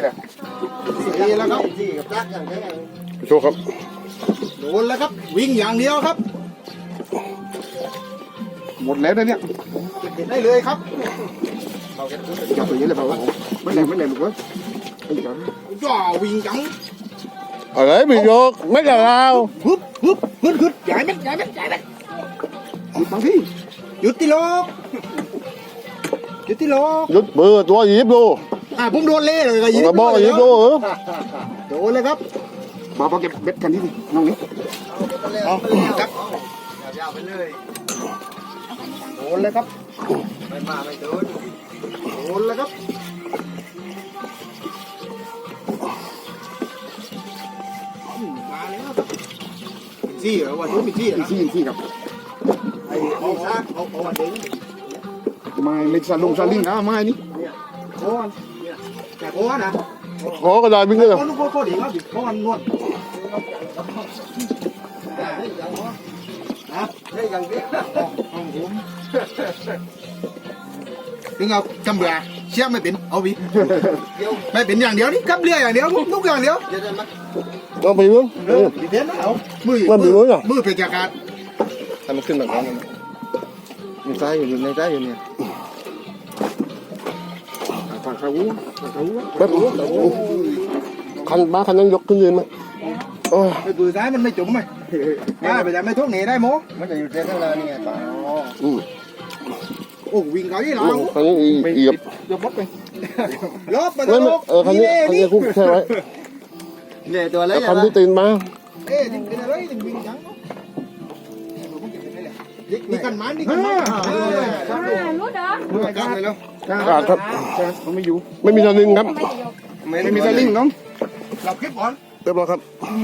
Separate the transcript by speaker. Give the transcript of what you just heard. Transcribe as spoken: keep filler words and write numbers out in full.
Speaker 1: แหละสี่แล้วครับสี่กับรักอย่างนี้โชว์ครับโดนแล้วครับวิ่งอย่างเดียวครับหมดแล้วนะเนี่ยเก็บได้เลยครับจับตัวนี้เลยเปล่าวะไม่แรงไม่แรงลูกเว้ยจ่อวิ่งจัง
Speaker 2: อะไรbị vô mấy là lao
Speaker 1: ฮึบฮึบฮึบฮึบใหญ่ไหมใหญ่ไหมใหญ่ไหมหยุดบางทีหยุดที่โลกหยุดที่โลก
Speaker 2: rút bừa tua dịp luôn
Speaker 1: อ่าผมโดนเล่เลยก็ยิง
Speaker 2: là bo dịp luôn hả
Speaker 1: โดนเลยครับมาพอเก็บเบ็ดกันนี่น้องนี่เอาครับยาวไปเลยโดนเลยครับไม่มาไม่โดนโดนเลยครับมาแล้วครับซี่เหรอว่าโดนเป็นซี่เหรอซี่ซี่ครับไอ้เอาซากเอาเอาเด้งไม่ไม่ซาลงซาลิงนะไม่นี่โอ้ยแต่โอ้นะ
Speaker 2: khó cái đài bên kia rồi
Speaker 1: โอ้โหโคตรดีครับโอ้ยนวดให้ยังเดียวของผมถึงเอาจำเบื่อเชี่ยไม่เป็นเอาวิไม่เป็นอย่างเดียวนี่กับเรืออย่างเดียวลูกอย่างเดียว
Speaker 2: nó bị luôn
Speaker 1: เออดีเด่นนะเอามือ
Speaker 2: มันมีมือเหรอ
Speaker 1: มือเป็นจากการ
Speaker 3: ทำมันขึ้นแบบนั้นในใจอยู่ในใจอยู่เนี่ย
Speaker 1: ฝากเขาฝากเขา
Speaker 2: bếp khăn ba khăn đang giật cái gì mà
Speaker 1: ไปปืนซ้ายมันไม่จุ่มไหมได้ไปแต่ไม่ทุกหนีได้โม
Speaker 3: มันจะอยู่เส้นข้างหน้านี่ไงต่อ
Speaker 2: ừ
Speaker 1: โอ้วิ่งเขาที่หลัง
Speaker 2: khăn gì dịp
Speaker 1: ยกบดไปลบมา
Speaker 2: mấy mấy ờ khăn gì khăn gì cũng theo đấy
Speaker 3: เนี่ยตัวเล็ก
Speaker 2: khăn đi tiền mà
Speaker 1: เอ๊ะถึงเป็นอะไรถึงวิ่งจังนี่กันมันนี่กันมัน
Speaker 4: รู้เด้อ
Speaker 1: มือกันเลยแล้ว
Speaker 2: à thật
Speaker 1: มันไม่อยู่
Speaker 2: ไม่มีสลิงครับ
Speaker 4: ไม่จะยก
Speaker 1: ไม่มีสลิงน้องเราคลิปก่อน
Speaker 2: เรียบร้อยครับ